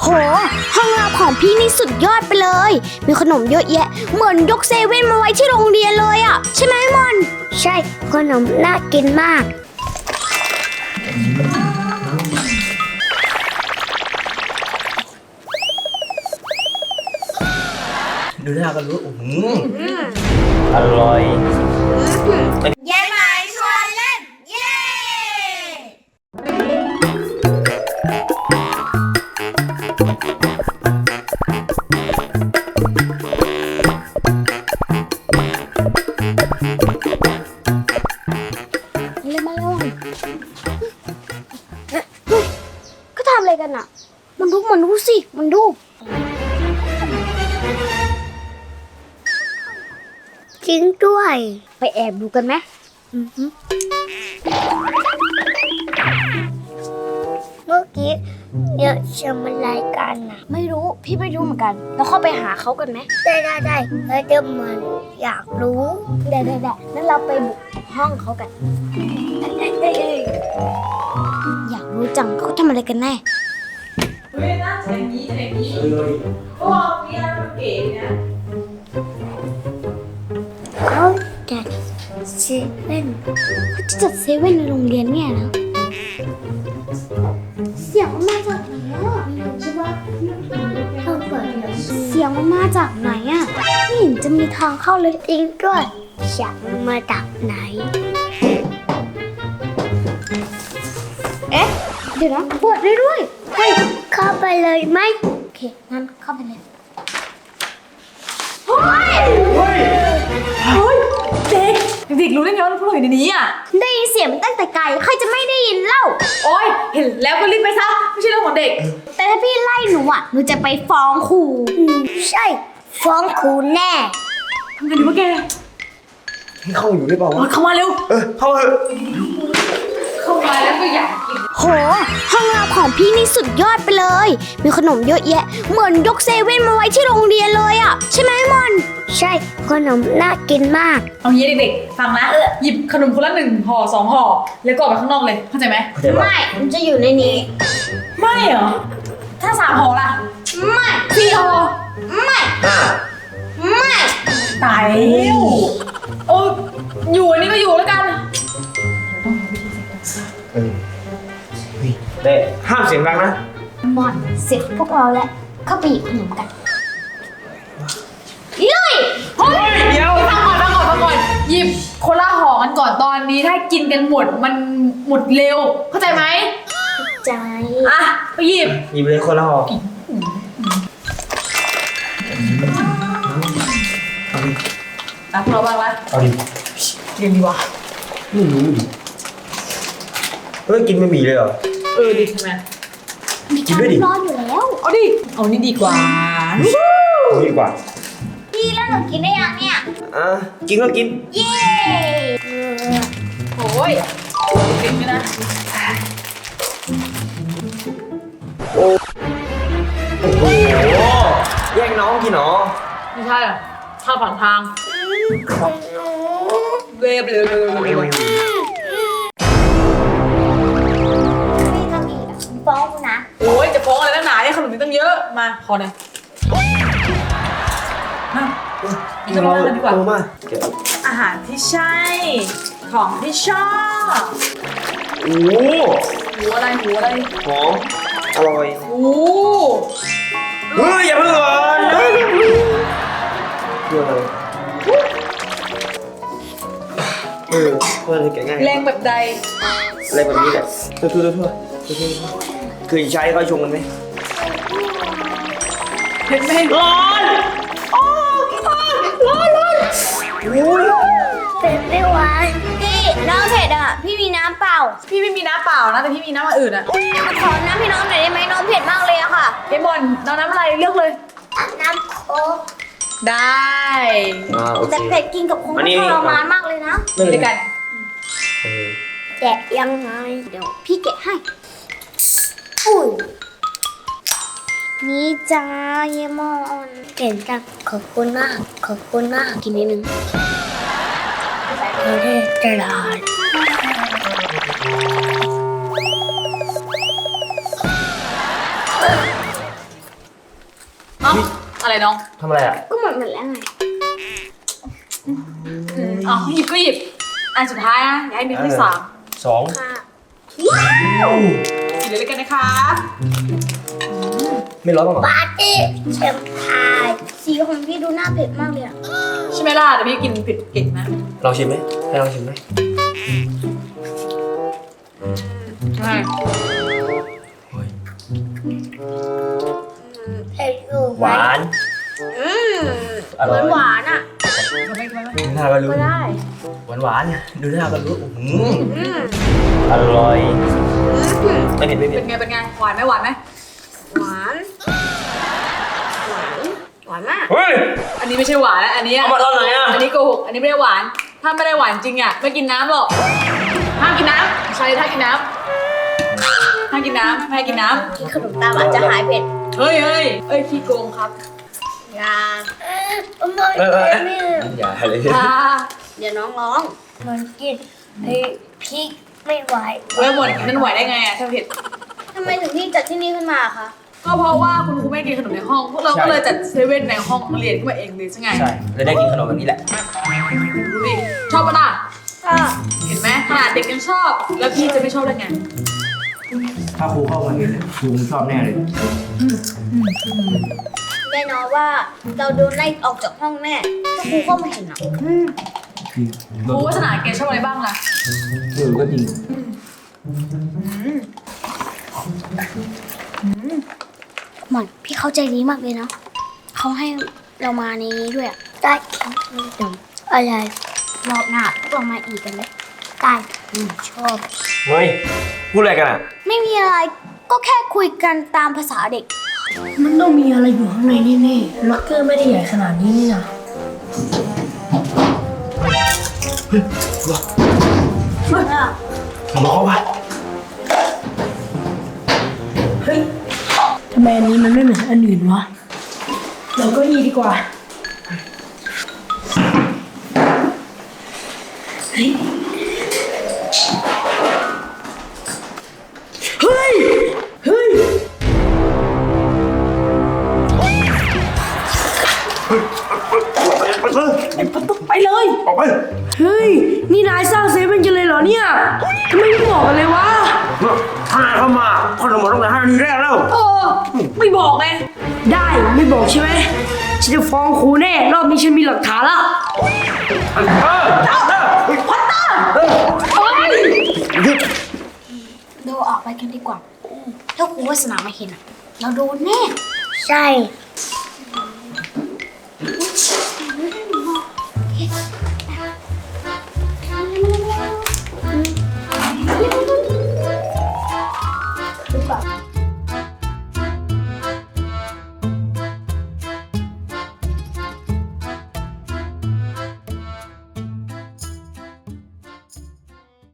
ห้องรับของพี่นี่สุดยอดไปเลยมีขนมเยอะแยะเหมือนยกเซเว่นมาไว้ที่โรงเรียนเลยอ่ะใช่ไหมมอนใช่ขนมน่ากินมากดูหน้าก็รู้อร่อยเย้ไหมชวนเล่นเย้มาเร็วก็ทำอะไรกันอ่ะมันดูสิมันดูจริงด้วยไปแอบดูกันไหมเมื่อกี้เนี่ยทำอะไรกันนะไม่รู้พี่ไม่รู้เหมือนกันเราเข้าไปหาเขากันไหมได้แล้วเดี๋ยวมันอยากรู้ได้งั้นเราไปบุกห้องเขากันอยากรู้จังเขาทำอะไรกันแน่เฮ้ยน่าจะอย่างนี้โอ้มีอะไรมันเก๋นะเขาจัดเซเว่นเขาจะจัดเซเว่นในโรงเรียนเนี่ยนะเสียงมันมาจากไหนอ่ะใช่ปะเขาเปิดเสียงมันมาจากไหนอ่ะไม่เห็นจะมีทางเข้าเลยจริงด้วยเสียงมันมาจากไหนเอ๊ะเดี๋ยวนะเปิดได้ด้วยเฮ้ยเข้าไปเลยไหมโอเคงั้นเข้าไปเลยเด็กรู้ได้ไงว่าพวกเราอยู่ในนี้อ่ะได้ยินเสียงมันตั้งแต่ไกลใครจะไม่ได้ยินเล่าโอ๊ยเห็นแล้วก็รีบไปซะไม่ใช่เรื่องของเด็กแต่ถ้าพี่ไล่หนูอ่ะหนูจะไปฟ้องครูใช่ฟ้องครูแน่ทำไงดีวะแกให้เข้าอยู่ได้เปล่าวะเข้ามาเร็วเข้าเถอะเข้ามาแล้วก็อยากกินโหห้องรับของพี่นี่สุดยอดไปเลยมีขนมเยอะแยะเหมือนยกเซเว่นมาไว้ที่โรงเรียนเลยอ่ะใช่ไหมมอนใช่ขนมน่ากินมากเอางี้เด็กๆฟังนะหยิบขนมคนละ1 ห่อ 2 ห่อแล้วก็ออกไปข้างนอกเลยเข้าใจไหมไม่มันจะอยู่ในนี้ไม่เหรอถ้า3 ห่อล่ะไม่ 4 ห่อไม่ตายแล้วโอ้อยู่อันนี้ก็อยู่แล้วกันเต้ห้ามเสียงดังนะมอนเสร็จพวกเราแล้วเข้าไปหยิบขนมกันลุยเฮ้ยเดี๋ยวฟังก่อนหยิบคนละห่อกันก่อนตอนนี้ถ้ากินกันหมดมันหมดเร็วเข้าใจไหมใจอ่ะไปหยิบเลยคนละห่อรับเราบ้างละเอาดิกินดีวะไม่รู้ดิเฮ้ยกินไม่มีเลยเหรอดีใช่ไหมกินด้วยดิร้อนอยู่แล้วเอาดิเอานี่ดีกว่าดีกว่าพี่แล้วหนูกินได้ยังเนี่ยกินก็กินเย้โอ้ยกินไหมนะโอ้โหแย่งน้องกินหรอไม่ใช่ข้าวผ่านทางเวฟเลยฟ้องนะโอ้ยจะฟ้องอะไรตั้งหนาเนี่ยขนมนี้ตั้งเยอะมาขอหน่อยกินกันเลยดีกว่าอาหารที่ใช่ของที่ชอบหูอะไรหอมอร่อยเฮ้ยอย่าเพิ่งก่อนเพื่ออะไรเพื่ออะไรแกง่ายแรงแบบใดอะไรแบบนี้แหละทั่วเคยใช้เขาชงกันไหมเห็นไหมร้อนเผ็ดไม่ไหวพี่น้ำเผ็ดอ่ะพี่มีน้ำเปล่าพี่ไม่มีน้ำเปล่านะแต่พี่มีน้ำมาอื่นอ่ะขอน้ำพี่น้องหน่อยได้ไหมน้องเผ็ดมากเลยอะค่ะเอมอนน้ำอะไรเลือกเลยน้ำโค้กได้แต่เผ็ดกินกับคงทรมานมากเลยนะไม่ได้กันแกะยังไงเดี๋ยวพี่แกะให้อุ้ยนี่จ้าเยมอนเก่งจังขอบคุณมากกินนิดนึงจะได้เอ้าอะไรน้องทำอะไรอ่ะก็หมดแล้วไงอ๋อหยิบก็หยิบ อันสุดท้ายนะอย่าให้มีที่สาม 2 ค่ะสีเลยกันนะคะไม่ร้อนบ้างเหรอปาร์ตี้เชมพายสีของพี่ดูน่าเผ็ดมากเลยอะใช่ไหมล่ะแต่พี่กินเผ็ดเก่งนะลองชิมไหมให้ลองชิมไหมใช่เฮ้ยเผ็ดอยู่หวานอืมอร่อยหวานๆอ่ะทำไมดูหน้าก็รู้ก็ได้หวานดูหน้าก็รู้อืมอร่อยไม่เผ็ดไม่เผ็เป็ดนไงเป็นไงหวานไหมหวานไหมหวานหวานหวานมากเฮ้ยอันนี้ไม่ใช่หวานนะอันนี้เอามาตอนไหนอ่ะอันนี้โกหกอันนี้ไม่ได้หวาน ถ้าไม่ได้หวานจริงอ่ะไม่กินน้ำหรอกห้ามกินน้ำใช่ถ้ากินน้ำห้ามกินน้ำไม่ให้กินน้กินขนมตามอาจจะหายเผ็ดำเฮ้ยขี้โกงครับยาไม่อย่าเลยอ่าเดี๋ยวน้องร้องมันกินพริกไม่ไหวเว้ยหมดนั่นไหวได้ไงอ่ะถ้าเผ็ดทำไมถึงพี่จัดที่นี่ขึ้นมาคะก็เพราะว่าคุณครูไม่กินขนมในห้อง พวกเราก็เลยจัดเซเว่นในห้องเรียนขึ้นมาเองเลยใช่ไงใช่เลยได้กินขนมแบบนี้แหละดูดิชอบปะล่ะก็เห็นไหมขนาดเด็กยังชอบ แล้วพี่จะไม่ชอบได้ไงถ้าครูเข้ามาเห็นครูชอบแน่เลยแน่นอนว่าเราโดนไล่ออกจากห้องแน่ถ้าครูเข้ามาเห็นอ่ะครูวัฒนาแกชอบอะไรบ้างล่ะก็จริงหมอนพี่เข้าใจดีมากเลยเนาะเขาให้เรามาในนี้ด้วยอะได้กินขนมอะไรรอบหน้าพวกเรามาอีกกันไหมได้ชอบเฮ้ยพูดอะไรกันอ่ะไม่มีอะไรก็แค่คุยกันตามภาษาเด็กมันต้องมีอะไรอยู่ข้างในแน่ๆล็อกเกอร์ไม่ได้ใหญ่ขนาดนี้นี่นะบอกเขาว่าเฮ้ยทำไมอันนี้มันไม่เหมือนอันอื่นวะ เราก็ยีดีกว่า เฮ้ย เฮ้ย เฮ้ย ไปเลยออกไปเฮ้ย นี่นายสร้างเซเว่นกันเลยเหรอเนี่ยทำไมไม่บอกกันเลยวะถ้าเข้ามาขนมหมดตั้งแต่5 นาทีแรกแล้วไม่บอกไงได้ไม่บอกใช่ไหมฉันจะฟ้องครูแน่ รอบนี้ฉันมีหลักฐานละเราออกไปกันดีกว่า ถ้าครูวาสนามาเห็นอะเราโดนแน่ ใช่ หรือเปล่า